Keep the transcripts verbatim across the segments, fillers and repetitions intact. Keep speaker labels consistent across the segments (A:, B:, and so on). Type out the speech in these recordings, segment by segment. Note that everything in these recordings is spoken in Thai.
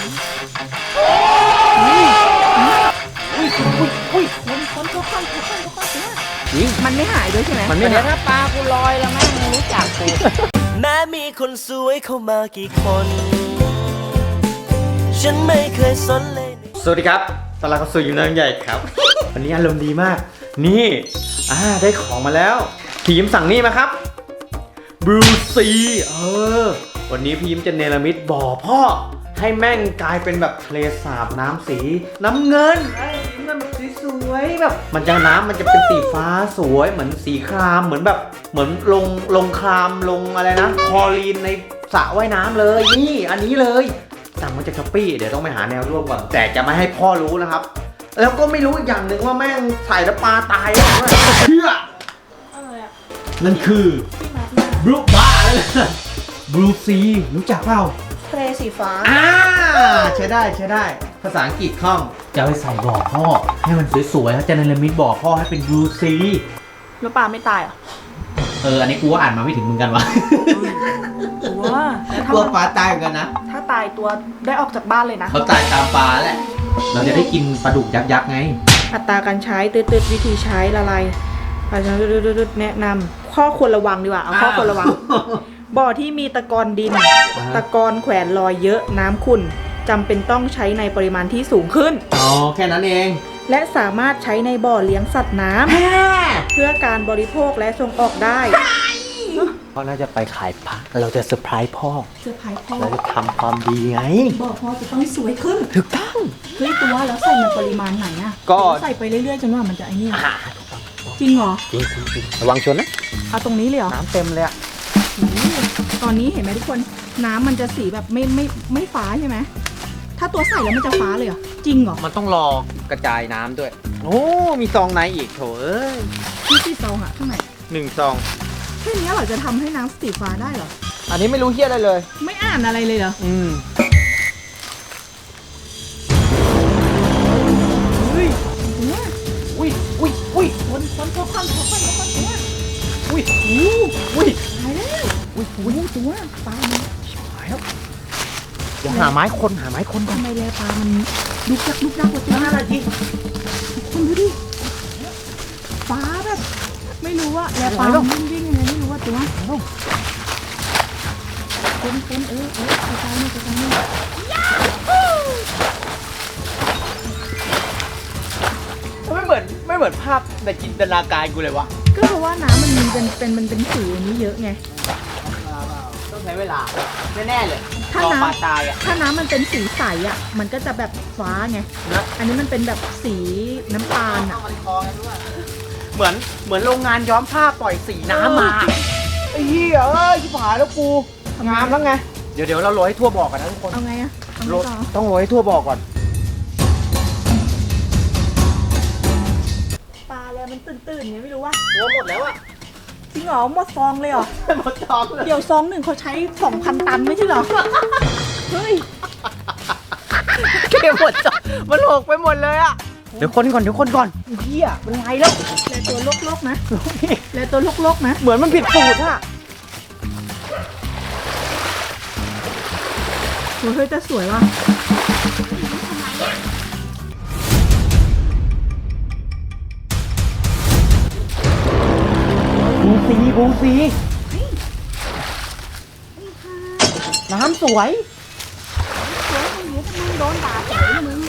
A: อุ้ยอุ้ยอุ้ย
B: คนคนทุกคนทุกคนทุกคนเนี่ย
A: จริง
B: มันไม่หายด้วยใช่ไหม
A: มันไม่
B: เดี๋ยว
A: หาย
B: ถ้าปลากูลอยแล้วแม่งรู้จักกู
C: แม้มีคนสวยเข้ามากี่คน ฉันไม่เคยสนเลย
A: สวัสดีครับตอนเราก็สู่อยู่น้ำใหญ่ครับ วันนี้อารมณ์ดีมาก นี่อ่าได้ของมาแล้วพี่ยิ้มสั่งนี่มาครับบลูซีเออวันนี้พี่ยิ้มจะเนรมิตบ่อพ่อให้แม่งกลายเป็นแบบทะเลสาบน้ำสีน้ำเงินไอ้ยิ้มมันแบบสวยๆแบบมันจะน้ำมันจะเป็นสีฟ้าสวยเหมือนสีครามเหมือนแบบเหมือนลงลงครามลงอะไรนะคลอรีนในสระว่ายน้ำเลยนี่อันนี้เลยสั่งมาจากช้อปปี้เดี๋ยวต้องไปหาแนวร่วมก่อนแต่จะไม่ให้พ่อรู้นะครับแล้วก็ไม่รู้อีกอย่างหนึ่งว่าแม่งใส่แล้วปลาตายแล้วเชื่อนั่นคือบลูบ้าเลยบลูซีรู้จักเปล่า
B: ทะเลสีฟ้า
A: อ่าใช้ได้ใช้ได้ภาษาอังกฤษคล่องจะเอาไปใส่บ่อพ่อให้มันสวยๆแล้วจะเนรมิตบ่อพ่อให้เป็นบลูซี
B: แล้วปลาไม่ตายเหรอ
A: เอออันนี้กูว่าอ่านมาไม่ถึงมึงกันวะ
B: ตัวแล้ว
A: กลัว
B: ถ้า
A: ปลาตายเหมือนกันนะ
B: ถ้าตายตัวได้ออกจากบ้านเลยนะ
A: เขาตายตามปลาแหละเราจะได้กินปลาดุกยักษ์ๆไง
B: อัตราการใช้ตืดๆวิธีใช้ละลายอาจารย์ตืดๆแนะนำข้อควรระวังดีกว่าเอาข้อควรระวัง บ่อที่มีตะกอนดิน ตะกอนแขวนลอยเยอะน้ำขุ่นจำเป็นต้องใช้ในปริมาณที่สูงขึ้น
A: อ๋อแค่นั้นเอง
B: และสามารถใช้ในบ่อเลี้ยงสัตว์น้ำเพื่อการบริโภคและส่งออกได้
A: พ่อน่าจะไปขายผักเราจะเซอร์ไพรส์พ่อ
B: เสื้อผ้าพ่อ
A: เราจะทำความดีไง
B: บ่อพ่อจะต้องสวยขึ้น
A: ถูกต้อง
B: เฮ้ยตัวแล้วใส่ในปริมาณไหนอะ
A: ก็
B: ใส่ไปเรื่อยๆจนว่ามันจะไอ้นี่
A: อ่า
B: จริงเหรอ
A: จริงจริงระวังชนนะ
B: เอาตรงนี้เลยเหรอ
A: น้ำเต็มเลยอะ
B: โอ้โหตอนนี้เห็นไหมทุกคนน้ำมันจะสีแบบไม่ไม่ไม่ฟ้าใช่ไหมถ้าตัวใส่แล้วมันจะฟ้าเลยเหรอจริงเหรอ
A: มันต้องรอกระจายน้ำด้วยโอ้มีซองในอีกโถเอ้ย
B: ที่ที่ซองอะข้างใน
A: หนึ่งซอง
B: แค่นี้เหรอจะทำให้น้ำสีฟ้าได้เหรอ
A: อันนี้ไม่รู้เฮี้ยอะไรเลย
B: ไม่อ่านอะไรเลยเหรอ
A: อืม
B: เฮ้ยเนี่ย
A: อุ้ยอุ้ยอุ้ย
B: คนคนพกคนพกคนพกคนตัว
A: อุ้ย
B: โอ้
A: อุ้ย
B: ตายแล้ว
A: อุ้ย
B: โอ้ตัวปลามัน
A: หายแล้วเดี๋ยวหาไม้คนหาไม้คนก่อน
B: ทำไมแลปลามันดุกดักดุกดักกว่าตัว
A: ห้านาที
B: คุณดูดิฟ้าแบบไม่รู้ว่าแลปลามันวิ่งวิ่งยังไงไม่รู้ว่าตัวคนคนเออเออไปตายนี่ไปตายนี่
A: ไม่เหมือนไม่เหมือนภาพในจินตนาการกูเลยวะ
B: ก็เพราะว่าน้ำมันมีเป็นเป็นมันเป็นสีอย่างนี้เยอะไง
A: ต้องใช้เวลาแน่ๆเลย
B: ถ้าร
A: อ
B: น้
A: ปลาตายอ่ะ
B: ำถ้าน้ำมันเป็นสีใสอ่ะมันก็จะแบบฟ้าไง
A: นะ
B: อันนี้มันเป็นแบบสีน้ำตาลอ่ะ
A: เหมือนเหมือนโรงงานย้อมผ้าปล่อยสีน้ำมาไอ้เหี้ยเอ้ยชิบหายแล้วกูงามแล้วไงเดี๋ยวเดี๋ยวเราโรยให้ทั่วบอกกันนะทุกคน
B: เอาไงอ่ะเอา
A: โร
B: ไง
A: ย
B: ต่อ
A: ต้องโรยให้ทั่วบอกก่อน
B: ปลาแล้วมันตื่นๆไงไม่รู้ว่า
A: หัวหมดแล้วอ่ะ
B: จริงเหรอหมดซองเลยเหรอ
A: หมดจองเลย
B: เดี๋ยวซองหนึ่งเขาใช้สองพันตันไม่ใช่เหรอเฮ้ย
A: เก็บหมดจองมันหกไปหมดเลยอ่ะเดี๋ยวคนก่อนเดี๋ยวคนก่อนเหี้ยมันไงแล้ว
B: แลตัวลกๆนะ
A: ลูกพี่
B: แลตัวลกๆนะ
A: เหมือนมันผิดสูตรอ่ะ
B: โอ้ยเฮ้ยแต่สวยว่ะ
A: บูซีบูซีน้ำสวย
B: สวยอย่างนี้ทำไมโดนด่าสวยนะมึง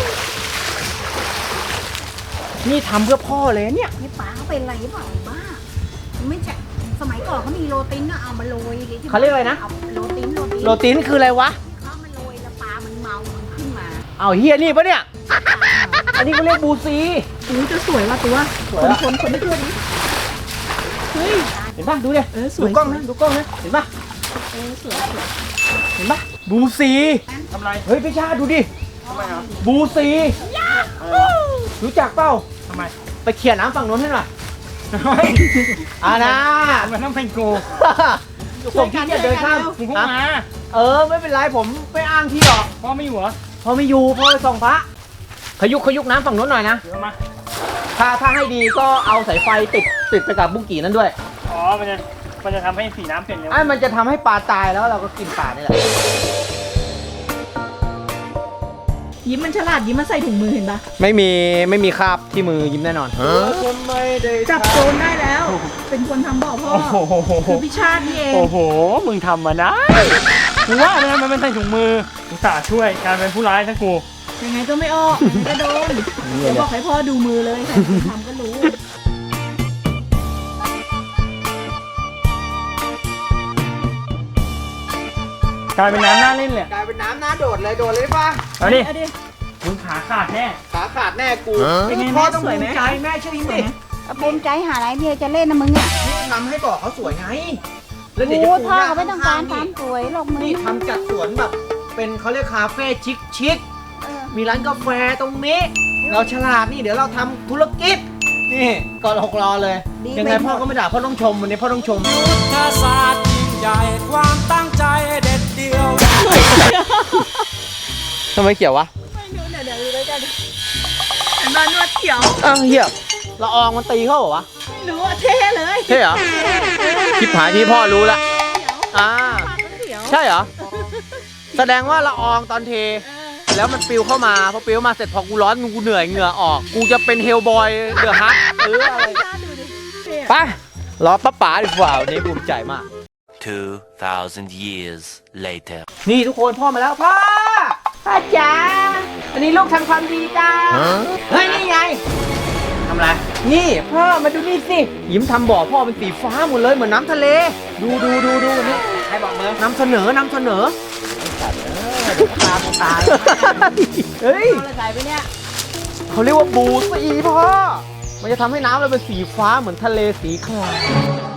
A: นี่ทำเพื่อพ่อเลยเนี่ย
D: นี่ป้าเขาเป็นอะไรหรือเปล่าบ้าไม่ใช่สมัยก่อนเขามีโรตินก็เอามาโรยที่
A: เขาเรียกอะไรนะ
D: าโรตินโรติน
A: โรตินคืออะไรวะ
D: เขามาโรยแล้วปลามันเมา มันขึ้นมา
A: เอาเฮียนี่ปะเนี่ย อันนี้เขาเรียกบูซี
B: โอ้ยจะสวยว่ะตัว
A: สวย
B: คน
A: อะ
B: คนคนไม่เชื่อดิเฮ้ย
A: เห็นป่ะดูดิ
B: เออส
A: ดู
B: วย
A: กล้องนะดูกล้องนะเห็นป่ะ
B: เออสวยสวย
A: เห็นป่ะบูซีทำไรเฮ้ยพี่ชาดูดิทำไมครับบูซีรู้จักเปล่าทำไมไปเขี่ยน้ำฝั่งโน้นให้หน่อยอ่านะมันต้องเป็นกูผมที่จะเดินข้ามผมมาเออไม่เป็นไรผมไม่อ้างที่หรอกพ่อไม่อยู่เหรอพ่อไม่อยู่พ่อไปส่องพระขยุกขยุกน้ำฝั่งโน้นหน่อยนะเดี๋ยวมาถ้าถ้าให้ดีก็เอาสายไฟติดติดไปกับบุ้งกี่นั่นด้วย
E: อ๋อ มันจะ มันจะทำให้สีน้ำเปลี่ยนเร็ว
A: ไอ้มันจะทำให้ปลาตายแล้วเราก็กินปลานี่แหละ
B: ยิ้มมันฉลาดยิ้มมันใส่ถุงมือเห็นปะ
A: ไม่มีไม่มีคราบที่มือยิ้มแน่นอน
B: จับโจรได้แล้ว เป็นคนทำบ่อพ่อ
E: โอ้โห
B: คือพี่ชาตินี่เอง
E: โอ้โห มึงทำมาได้กูว่าเนี่ยมันเป็นใส่ถุงมืออุตส่าห์ช่วยการเป็นผู้ร้ายซะกู
B: ยังไงก็ไม่ออกยังไงก็โดนเดี๋ยวบอกให้พ่อดูมือเลยใครเป็นคนทำก็รู้
E: กลายเป็นน้ำน่าเล่นเลย
A: กลายเป็นน้ำน้าโดดเลยโดดเลยป่ะ
E: เอาดิ
B: เอาดิ
E: มึงขาขาดแน่
A: ขาขาดแน่กู
B: เป็นไง
A: พ่อ
B: แม่
A: ต้อง
B: สวยไหม
A: ภูมิใจแม่เชื่อยิ้มดิ
D: ภูมิใจหาอะไรเมียจะเล่นนะมึงเนี่ย
A: นี่ทำให้บอกเขาสวยไงแล้วเดี๋ยว
D: โอ้
A: จะ
D: พ่อ
A: หญ้
D: เขาไม่ต้องการ
A: ข้
D: ความสวยหรอกมึง
A: นี่ทำจัดสวนแบบ เป็นเขาเรียกคาเฟ่ชิคชิค
D: เออ
A: มีร้านกาแฟตรงนี้ เราฉลาดนี่เดี๋ยวเราทำธุรกิจนี่ก่อนหกรอเลย ยังไงพ่อก็ไม่ด่าพ่อต้องชมวันนี้พ่อต้องชม
C: ทศาสตร์ยิ่งใหญ่ความตั้งใจเด็ดเดียว
A: ทำไมเกี่ยววะ
B: ไม่รู้เดี๋ยวเดี๋ยวดูด้วยกันเห็นมานวดเขียว
A: อ้าวเหี้ยละอองมันตีเข้าเหรอวะ
B: ไม่รู้อะเท่เลย
A: ใช่เหรอคลิปหายที่พ่อรู้ละ
B: เขียว
A: อ่า
B: ปากก็เขียว
A: ใช่เหรอ แสดงว่าละอองตอนเท แล้วมันปิวเข้ามาพอปิวมาเสร็จพอกูร้อนกูเหนื่อยเหงื่อออก กูจะเป็นเฮลบอยเดือดฮักเอออะไร
B: ชาติดูดิเท่อะ
A: ไปรอป้าป๋าดีกว่าวันนี้ภูมิใจมาก
C: two thousand years later
A: นี่ทุกคนพ่อมาแล้วพ่อพ่อจ๋าวันนี้ลูกทำความดีจ้าเฮ้ยนี่ไงทำอะไรนี่พ่อมาดูนี่สิยิ้มทำบ่อพ่อเป็นสีฟ้าหมดเลยเหมือนน้ำทะเล ดูดูดูดูนี่ใครบอกเมือนำเสนอนำเสนอตาตายเฮ้ย
B: เอาอะไรใส่ไปเนี่ย
A: เขาเรียกว่าบูสีพ่อมันจะทำให้น้ำเราเป็นสีฟ้าเหมือนทะเลสีคราม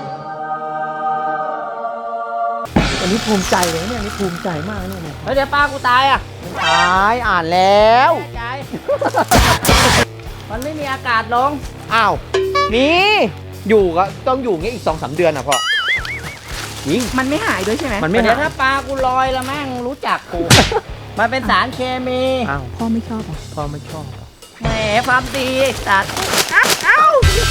A: วันนี้ภูมิใจเลยเนี่ยนี่ภูมิใจมากเนี่ยแล้วเดี๋ยวป้ากูตายอ่ะตายอ่านแล้วใจ มันไม่มีอากาศลงอ้าวนี่อยู่ก็ต้องอยู่งี้อีกสองสามเดือนอ่ะพ่อจริง
B: มันไม่หายด้วยใช่ไหม
A: มันไม่
F: เดี๋ยว
A: หาย
F: ถ้าปลากูลอยแล้วแม่งรู้จักกู มันเป็นสารเคมี
A: อ้าว
B: พ่อไม่ชอบเหรอ
A: พ่อไม่ชอบ
F: แหมความดีไอ้สัตว์
B: เอ้า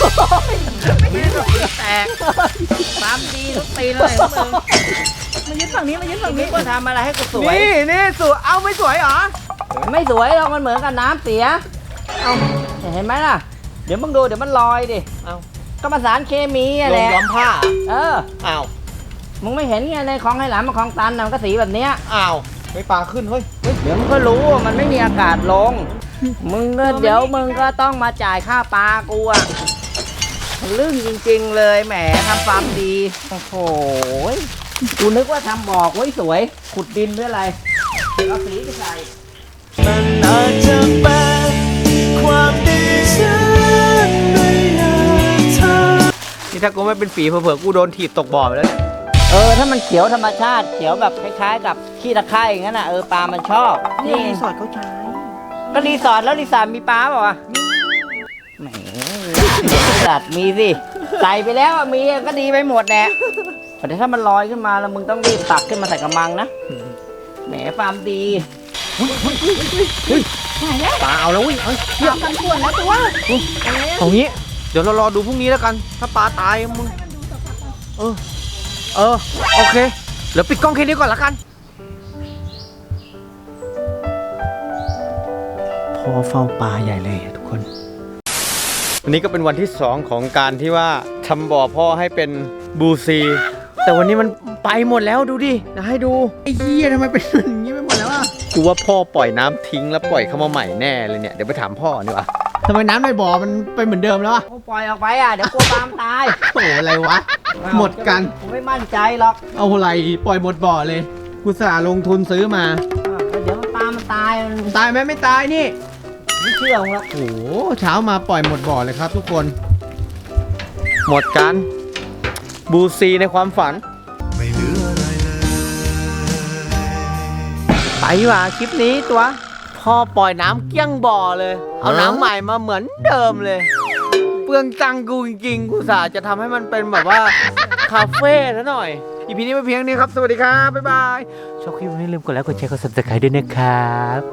F: แตกความดีทุกปีเลยพวกมึง
B: มายืนฝั่งนี้มายืนฝั่ง
F: นึ
B: นี้
F: กว่าทำอะไรให้กูสวย
A: นี่นี่สวยเอาไม่สวยเหรอ
F: ไม่สวยหรอกมันเหมือนกับน้ำเสีย เอาเห็นไหมล่ะ เดี๋ยวมึงดูเดี๋ยวมันลอยดิ
A: เอา
F: ก็มาสารเคมีอะ
A: ล
F: แห
A: ง
F: ละ
A: ย้อมผ้า
F: เออ
A: อ้าว
F: มึงไม่เห็นไงในคลองไหหลำกับคลองตันน่ะมันก็สีแบบเนี้ย
A: อ้าวไม่ปลาขึ้นเฮ้ยเฮ้ย
F: เดี๋ยวมึงก็รู้ว่ามันไม่มีอากาศลง มึงก็เดี๋ยวมึงก็ต้องมาจ่ายค่าปลากูอะลึ่งจริงๆเลยแหมทำฟาร์มดี โอ้โหกูนึกว่าทำบอกไว้สวย ขุดดินหรืออะไรเอาสีไปใส่
C: มันอาจจะเป็นความดีฉันไม่อยากทำ
A: นี่ถ้ากูไม่เป็นฝีเผื่อๆกูโดนถีบตกบ่อไปแล้วเนี่ย
F: เออถ้ามันเขียวธรรมชาติเขียวแบบคล้ายๆ กับขี้ตะไคร่อย่างนั้นน่ะเออปลามันชอบ
B: นี่
F: นี่
B: รีสอร์ทเขาใช้
F: ก็รีสอร์ทแล้วรีสอร์ทมีปลาเปล่าวะแหมรีสอร์ทมีสิใส่ไปแล้วอะมีก็ดีไปหมดแหละแต่ถ้ามันลอยขึ้นมาแล้วมึงต้องรีบตักขึ้นมาใส่กระมังนะแหมฟาร์มดี
A: ปลาเอาแล้วเว้ยเอ้ย
B: ทำกันส่วนแล้วตัว
A: เอางี้ เดี๋ยวเรารอดูพรุ่งนี้แล้วกัน ถ้าปลาตายมึง เออ เออ โอเค เดี๋ยวปิดกล้องแค่นี้ก่อนละกัน พ่อเฝ้าปลาใหญ่เลยทุกคน วันนี้ก็เป็นวันที่สองของการที่ว่าทำบ่อพ่อให้เป็นบูซี แต่วันนี้มันไปหมดแล้วดูดินะให้ดู ไอ้เหี้ยทำไมเป็นอย่างนี้ไปหมดแล้วอ่ะกูว่าพ่อปล่อยน้ำทิ้งแล้วปล่อยเข้ามาใหม่แน่เลยเนี่ย เดี๋ยวไปถามพ่อดีกว่าทำไมน้ำในบ่อมันเป็นเหมือนเดิมแล้วอ่ะ
F: กูปล่อยออกไปอ่ะเดี๋ยวกลัวปลามันตาย
A: โอ้โหอะไรวะ หมดกัน
F: กูไม่มั่นใจหรอก
A: เอาอะไรปล่อยหมดบ่อเลยกูสาลงทุนซื้อมา
F: อ่ะเดี๋ยวปลามันตายมัน
A: ตายไหมไม่ตายนี่
F: ไม่เชื่อมึงหรอก
A: โอ้โหเช้ามาปล่อยหมดบ่อเลยครับทุกคน หมดกัน บูซีในความฝัน
C: ไม่เหลืออะไรเลย
A: ไปว่ะคลิปนี้ตัว พ่อปล่อยน้ำเกี้ยงบ่อเลย เอาน้ำใหม่มาเหมือนเดิมเลย เปลืองตังค์กูจริงๆ กูสาจะทำให้มันเป็นแบบว่า คาเฟ่ซะหน่อย อีพีนี้ไปเพียงนี้ครับ สวัสดีครับ บ๊ายบาย ชอบคลิปนี้อย่าลืมกดไลค์กดแชร์กด ซับสไครบ์ ด้วยนะครับ